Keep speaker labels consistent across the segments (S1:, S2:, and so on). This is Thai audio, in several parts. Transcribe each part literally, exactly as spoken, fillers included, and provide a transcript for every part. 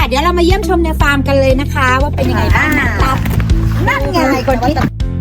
S1: เดี๋ยวเรามาเยี่ยมชมในฟาร์มกันเลยนะคะ ว่าเป็นยังไงบ้างนะครับนั่นไงคนที่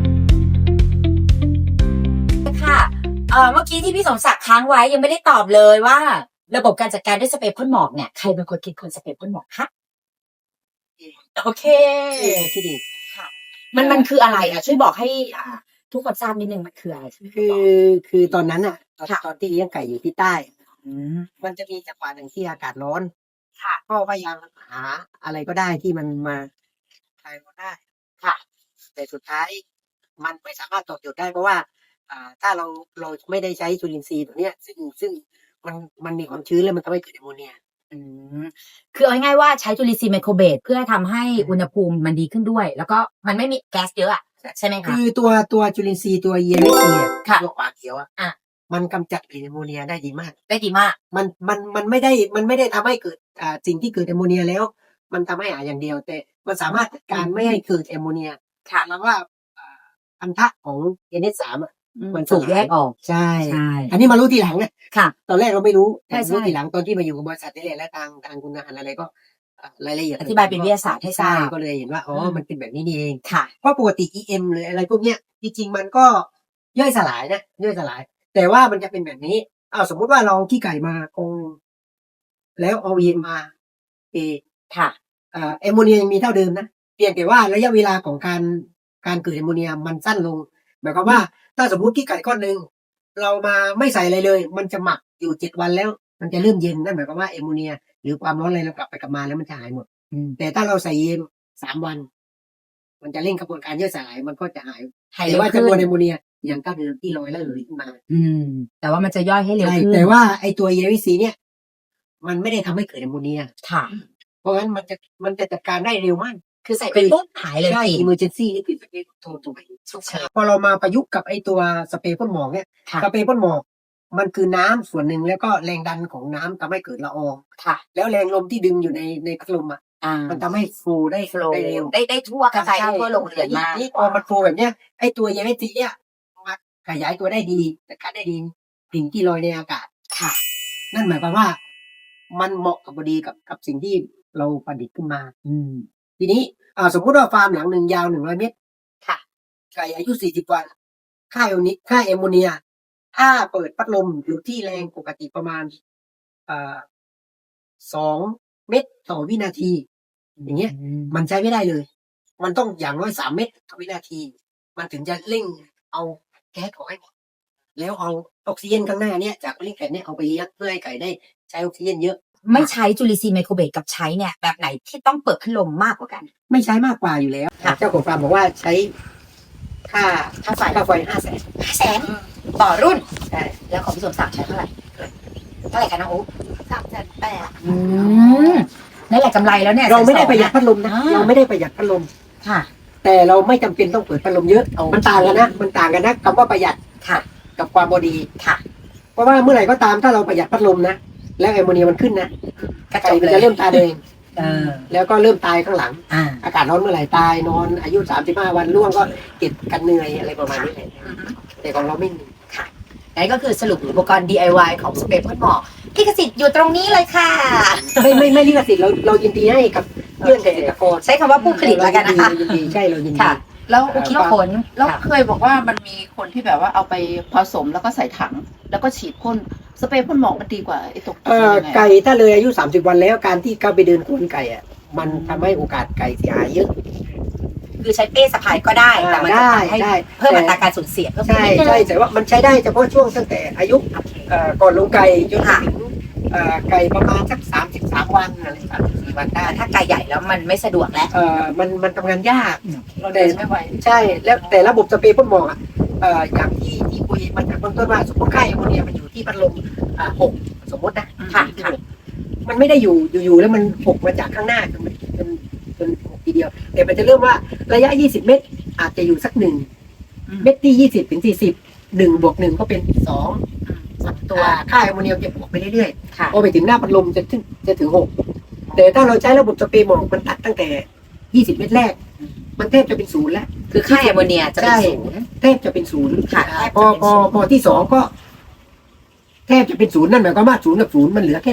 S1: ค่ะเอ่อเมื่อกี้ที่พี่สมศักดิ์ค้างไว้ยังไม่ได้ตอบเลยว่า ระบบการจัดการด้วยสเปรย์พ่นหมอกเนี่ยใครเป็นคนคิดคนสเปรย์พ่นหมอกคะโอเคที่ดีค่ะมันมันคืออะไรอ่ะช่วยบอกให้อ่าทุกคนทราบนิดนึงมันคืออะไรใช่ไหม
S2: คือคือตอนนั้นอ่ะตอนตอนที่เลี้ยงไก่อยู่ที่ใต้มันจะมีจังหวะหนึ่งที่อากาศร้อนค่ะก็พยายามหาอะไรก็ได้ที่มันมาคลายร้อนได้ค่ะ แต่สุดท้ายมันไม่สามารถตอบโจทย์ได้เพราะว่า อ่า ถ้าเราเราไม่ได้ใช้จุลินทรีย์ตัวเนี้ย ซึ่งซึ่งมันมันมีความชื้นแล้วมันทำให้เกิดแอมโมเนีย
S1: อืมคือเอาง่ายๆว่าใช้จุลินทรีย์ไมโครเบสเพื่อทำให้อุณหภูมิมันดีขึ้นด้วย แล้วก็มันไม่มีแก๊สเยอะอ่ะใช่ไหมคะ
S2: คือตัวตัวจุลินทรีย์ตัวเยลิซี
S1: ค่ะ
S2: ตัวขวาเขียวอ่ะมันกำจัดกลิ่นแอมโมเนียได้ดีมาก
S1: ได้ดีมาก
S2: มันมันมันไม่ได้มันไม่ได้ทำให้เกิดอ่าสิ่งที่เกิดแอมโมเนียแล้ว มันทำให้หายอย่างเดียว แต่มันสามารถจัดการไม่ให้เกิดแอมโมเนีย
S1: ค่ะ
S2: แล้วว่าอันทะของเอเนสามอ่ะ
S1: มันถูกแยกออก
S2: ใช่อันนี้มารู้ทีหลังเนี่ย
S1: ค่ะ
S2: ตอนแรกเราไม่รู้แต่รู้ทีหลังตอนที่มาอยู่กับบริษัทนี่แหละและทางทางคุณงานอะไรก็รายละเอียด
S1: อธิบายเป็นวิทยาศาสตร์ให้ทราบ
S2: ก็เลยเห็นว่าอ๋อมันเป็นแบบนี้นี่เอง
S1: ค่ะ
S2: เพราะปกติ อี เอ็ม หรืออะไรพวกเนี้ยจริงๆมันก็ย่อยสลายนะย่อยสลายแต่ว่ามันจะเป็นแบบนี้อ้าวสมมติว่าเราขี้ไก่มาคงแล้วเอาเย็นมาเอ
S1: ค่ะ
S2: อ่าแอมโมเนียยังมีเท่าเดิมนะเพียงแต่ว่าระยะเวลาของการการเกิดแอมโมเนียมันสั้นลงหมายความว่าถ้าสมมติขี้ไก่ก้อนหนึ่งเรามาไม่ใส่อะไรเลย มันจะหมักอยู่เจ็ดวันแล้วมันจะเริ่มเย็นนั่นหมายความว่าแอมโมเนียหรือความร้อนอะไรเรากลับไปกลับมาแล้วมันจะหายหมดแต่ถ้าเราใส่เย็นสามวันมันจะเร่งกระบวนการย่อยสลายมันก็จะหายแต่ว่าจำนวนแอมโมเนียยังเท่าเดิมที่ลอยแล้วเหลือขึ้นมา
S1: อืมแต่ว่ามันจะย่อยให้เร็วขึ้น
S2: แต่ว่าไอตัวเยลิซีเนี่ยมันไม่ได้ทำให้เกิดแอมโมเนีย
S1: ค่ะ
S2: เพราะงั้นมันจะมันจะจัดการได้เร็วมาก
S1: คือใส่ไปปุ๊บหายเลย
S2: ใช่ emergency นี่คือสเปรย์โทรถูกไหมพอเรามาประยุกต์กับไอตัวสเปรย์พ่นหมอกเนี่ยสเปรย์พ่นหมอกมันคือน้ำส่วนหนึ่งแล้วก็แรงดันของน้ำทำให้เกิดละออง
S1: ค่ะ
S2: แล้วแรงลมที่ดึงอยู่ในในพัดลมอ่ะมันทำให้โฟลได้
S1: โฟลได้
S2: เร็ว
S1: ได้ได้ทั่วกระจายทั่วโรงเรือนมาก
S2: นี่พอมันโฟลแบบเนี้ยไอตัวเยลิซีเนี่ยมันขยายตัวได้ดีแต่การได้ดีสิ่งที่ลอยในอากาศ
S1: ค่ะ
S2: นั่นหมายความว่ามันเหมาะกับพอดีกับกับสิ่งที่เราประดิษฐ์ขึ้นมา
S1: อืม
S2: ทีนี้อ่าสมมุติว่าฟาร์มหลังหนึ่งยาวหนึ่งร้อยเมตร
S1: ค่ะ
S2: ไก่อายุสี่สิบวันค่าแอมโมเนียค่าแอมโมเนียถ้าเปิดพัดลมอยู่ที่แรงปกติประมาณอ่าสองเมตรต่อวินาทีอย่างเงี้ยมันใช้ไม่ได้เลยมันต้องอย่างน้อยสามเมตรต่อวินาทีมันถึงจะเร่งเอาแก๊สออกให้หมดแล้วเอาออกซิเจนข้างหน้าเนี้ยจากเลี้ยงไก่เนี่ยเอาไปเลี้ยงเพื่อให้ไก่ได้ใช้ออกซิเจนเยอะ
S1: ไม่ใช้จุลินทรีย์ไมโครเบสกับใช้เนี่ยแบบไหนที่ต้องเปิดพัดลมมากกว่ากัน
S2: ไม่ใช้มากกว่าอยู่แล้วเจ้าของฟาร์มบอกว่าใช้ค่า
S1: ค่าไฟ
S2: ค่าไฟห้าแสน
S1: ห้าแสนต่อรุ่น
S2: ใช่
S1: แล้วของพี่สมศักดิ์ใช้เท่าไหร่เท่าไหร่คะน้องอุ๊
S3: สามแสนแปด
S1: อืมนั่นแหละกำไรแล้วเนี่ย
S2: เราไม่ได้ประหยัดพัดลมนะเราไม่ได้ประหยัดพัดลม
S1: ค่ะ
S2: แต่เราไม่จำเป็นต้องเปิดพัดลมเยอะมันต่างกันนะมันต่างกันนะคำว่าประหยัด
S1: ค่ะ
S2: กับความพอดี
S1: ค่ะ
S2: เพราะว่าเมื่อไหร่ก็ตามถ้าเราประหยัดพัดลมนะแล้วแอมโมเนียมันขึ้นนะไก่มันจะเริ่มตายเองแล้วก็เริ่มตายข้างหลังอากาศร้อนเมื่อไหร่ตายนอนอายุสามสิบห้าวันร่วงก็เก็บกันเหนื่อยอะไรประมาณนี้แต่ของเราไม่มี
S1: ค่ะนั่นก็คือสรุปอุปกรณ์ ดี ไอ วาย ของสเปรย์พ่นหมอกลิขสิทธิ์อยู่ตรงนี้เลยค่ะ
S2: ไม่ไม่ไม่ลิขสิทธิ์เราเรายินดีให้กับเพื่อนเกษตรกร
S1: ใช้คำว่าผู้ผลิตแล้วกันนะคะ
S2: ยินดีใช่เรายินดี
S3: แล้วคิดผลแล้วเคยบอกว่ามันมีคนที่แบบว่าเอาไปผสมแล้วก็ใส่ถังแล้วก็ฉีดพ่นสเปรย์พ่นหมอกมันดีกว่าไอ้ตก
S2: เอ่อไก่ถ้าเลยอายุสามสิบวันแล้วการที่เข้าไปเดินโคนไก่อ่ะมันทำให้โอกาสไก่เสียหายเยอะ
S1: คือใช้เป้สะพายก็ได้แต่มันจะทำให้เพิ่มอัตราการสูญเสีย
S2: ใช่ใช่แต่ว่ามันใช้ได้เฉพาะช่วงตั้งแต่อายุก่อนลงไก่จนถึงไก่ประมาณสักสามสิบสามวันอะไรสามสิบสี่วันได้
S1: ถ้าไก่ใหญ่แล้วมันไม่สะดวกแล้ว
S2: เออมันมันทำงานยาก
S3: เราเดินไม่ไหว
S2: ใช่แล้วแต่ระบบสเปรย์พ่นหมอกอ่ะเอ่ออย่างที่ที่คุยมันจากเบื้องต้นว่าสมมติค่าแอมโมเนียมันอยู่ที่พัดลมอ่าหกสมมตินะ
S1: ค่ะค่ะ
S2: มันไม่ได้อยู่อยู่ๆแล้วมันหกมาจากข้างหน้าจนจนจนหกทีเดียวแต่มันจะเริ่มว่าระยะยี่สิบเมตรอาจจะอยู่สักหนึ่งเมตรที่ยี่สิบถึงสี่สิบหนึ่งบวกหนึ่งก็เป็นสองตัวค่าแอมโมเนียจะบวกไปเรื่อยๆพอไปถึงหน้าพัดลมจะถึงจะถึงหกแต่ถ้าเราใช้ระบบสเปรย์หมอกมันตัดตั้งแต่ยี่สิบเมตรแรกมันแทบจะเป็นศูนย์แล้ว
S1: คือค่าแอมโมเนียจะเป็นศูนย์
S2: แทบจะเป็นศูนย์ค่ะพอพอพอที่สองก็แทบจะเป็นศูนย์นั่นหมายความว่าศูนย์กับศูนย์มันเหลือแค่หนึ่ง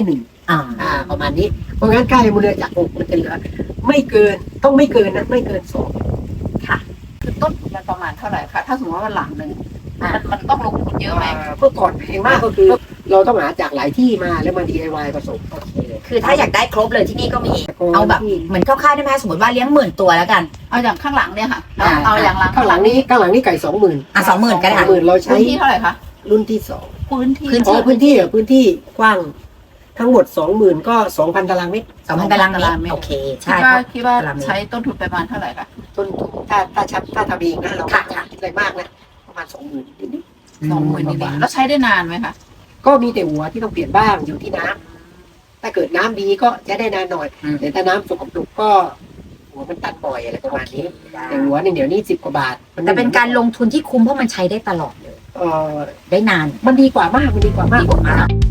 S1: อ่า
S2: อ่า ประมาณนี้ เพราะงั้นค่าแอมโมเนียจากหกมันจะเหลือ ไม่เกินต้องไม่เกินนะไม่เกินสอง
S3: คือต้นทุนมันประมาณเท่าไหร่คะถ้าสมมติว่ามันหลังหนึ่ง
S1: อ่า
S3: มันมันต้องลงทุนเยอะไหม
S2: อ่าเมื่อก่อนแพงมากก็คือ เราต้องหาจากหลายที่มาแล้วมา ดี ไอ วาย ผสม
S1: คือถ้าอยากได้ครบเลยที่นี่ก็มี
S2: แต่ก่น
S1: เอาแบบ
S2: ที่
S1: เหมือนคร่าวๆได้ไหมสมมติว่าเลี้ยงหมื่นตัวแล้วกัน
S3: เอาอย่างข้างหลังเนี่ยค่ะ
S1: อ่า
S3: เอาอย่างหลัง
S2: ข้างหลังนี้ข้างหลังนี้ไก่สองหมื่น
S1: อ่ะสองหมื่นก็ได้
S2: สองหมื่นเราใช้
S3: พื้นที่เท่าไหร่คะ
S2: รุ่นที่สอง
S3: พื้นที่
S1: พื้น
S2: อ๋อพื้นที่เหรอพื้นที่กว้างทั้งหมดสองหมื่นก็สองพันตารางเมตร
S1: สองพันตารางเมตรโอเค
S3: คิด
S1: ใช่
S3: ว่า
S1: เพราะ
S3: คิดว่า
S1: ตารางเมตร
S3: ใช้ต้นทุนประมาณเท่าไหร่คะ
S2: ต้นทุนถ้าถ้าชัดถ้าทำเองนะเรา
S1: ค่ะ
S2: ไม่คิดอะไรมากนะประมาณสองหมื่นนิด
S3: สองหมื่นนิดๆแล้วใช้ได้นานไหมคะ
S2: ๆก็มีแต่หัวที่ต้องเปลี่ยนบ้างอยู่ที่น้ำถ้าเกิดน้ำดีก็จะได้นานหน่อย
S1: อืม
S2: แต่ถ้าน้ำสกปรกก็หัวมันตัดบ่อยอะไรประมาณนี้แต่หัวเนี่ยเดี๋ยวนี้สิบกว่าบาทมั
S1: แต่เป็นการลงทุนที่คุ้มเพราะมันใช้ได้ตลอดเลย
S2: เออ
S1: ได้นาน
S2: มันดีกว่ามากมันดีกว่ามาก
S1: ดีกว่ามาก